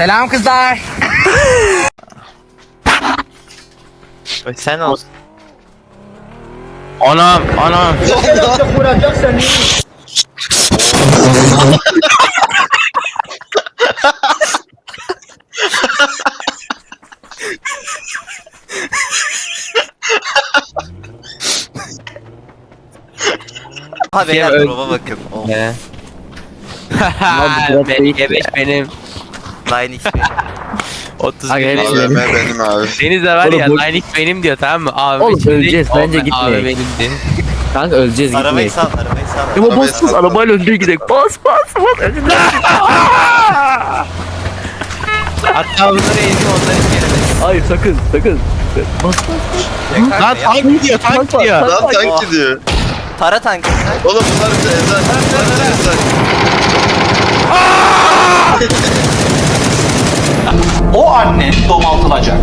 Selam kızlar. Sen olsun. Anam. Ha beyler Öl- drop'a bakın. Oh. Ne? drop değil. G5 benim. Line X benim. 30 Aga, benim. hepsi AVM benim abi. Deniz de var Oğlum ya bu- Line X benim diyor, tamam mı? Abi Oğlum, şimdi- öleceğiz, bence Abi gitmeyin. benimdi. Kanka öleceğiz Arabayı gitmeyin. sal, arabayı sal. Ama Arabayı bas bas sal. arabayla önce gidelim. Bas. Hatta bunları ezdim, onları gelemez. Hayır sakın. Bas. Lan tank gidiyor, tank gidiyor. Lan tank gidiyor. Tara tankı. Oğlum bunlar bize ezer. Bunlar bize ezer. O annen domaltılacak.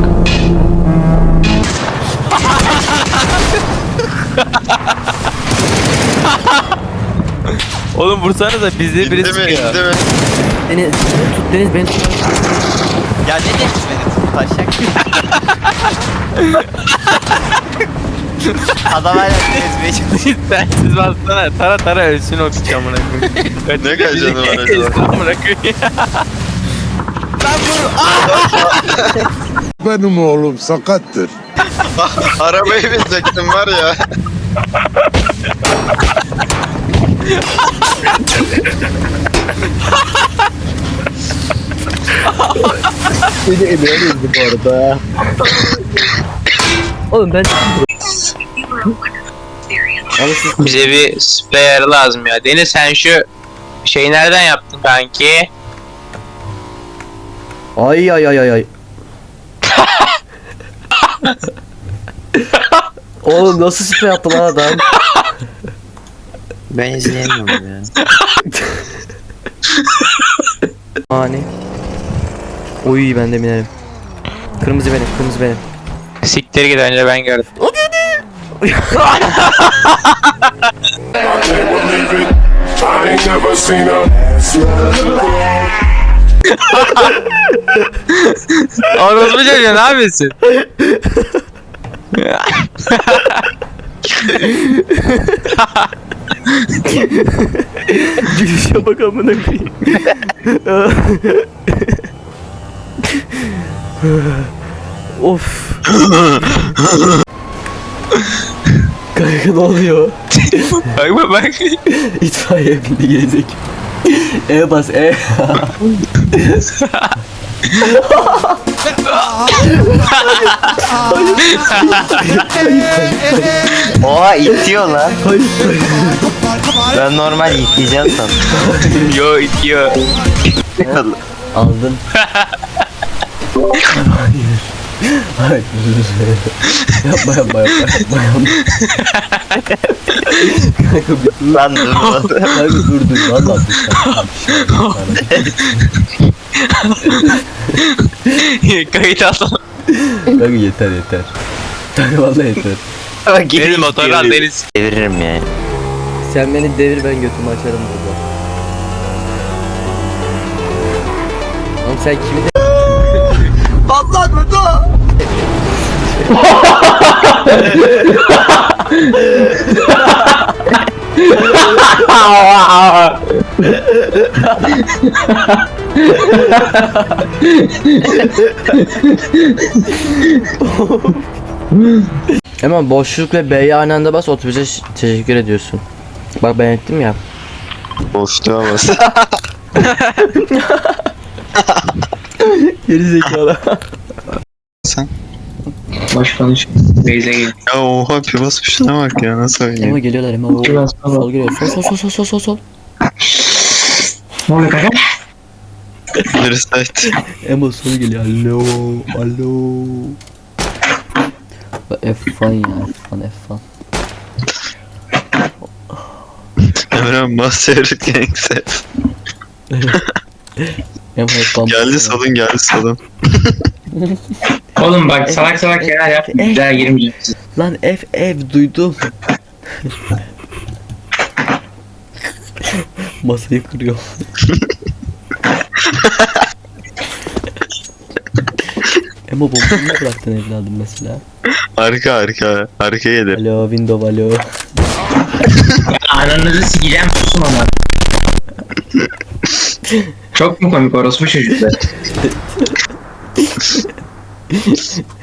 Oğlum vursanıza bizi biri İndi mi? sıkıyor. İndi mi? Deniz tut Deniz beni tut. Ya ne demiş beni taşak. Adam hala ezmeye çalışıyor. Sensiz bassana, tara ölsün o piç amına koyayım. Ne kadar canı var acaba? Ezdim amına koyayım. Benim oğlum sakattır. Arabayı binecektim var ya. Seni emeğe bu arada. Oğlum ben... Abi siz Bize bir spare lazım ya. Deniz sen şu şeyi nereden yaptın kanki? Ay. Oğlum nasıl sprey attı lan adam? Ben izleyemiyorum ya. Hani? Oy ben de binerim. Kırmızı benim. Siktir git, önce ben gördüm. I ain't never seen a Orospu çocuğu, ne yapıyorsun? Gülüşe bak amına koyayım. Of. Kanka ne oluyor? Bak. İtfaiye bindi gelecek. Bas Oha itiyor lan. Hayır. Ben normal iteceğim sandım. Yo itiyor. Aldın. Hayır. Yapma. Lan dur. Kanka dur. Valla Kayıt al. Kanka yeter. Kanka valla yeter. Deniz motoru al Deniz. Deviririm yani. Sen beni devir ben götümü açarım burada. Oğlum sen kimi de... Hemen boşluk ve B'ye aynı anda bas otobüse teşekkür ediyorsun. Bak ben ettim ya. Boşluğa bas. Geri zekalı. Boş konuş. Beyze gel. Ya oha pivas şuna bak ya nasıl Ama oynuyor. geliyorlar hemen. Sol geliyor. Sol. Ne oluyor kanka? Reset. Emo sol geliyor. Alo. F1 ya. F1. Emre Master Gangster. Geldi salın. Oğlum bak salak şeyler yap. Bir daha girmeyeceğim. Lan F duydum. Masayı kırıyor. Emo bombayı niye bıraktın evladım mesela? Arka gelir. Alo window alo. Ya ananızı sikeceğim susun ama. Çok mu komik orospu çocuklar?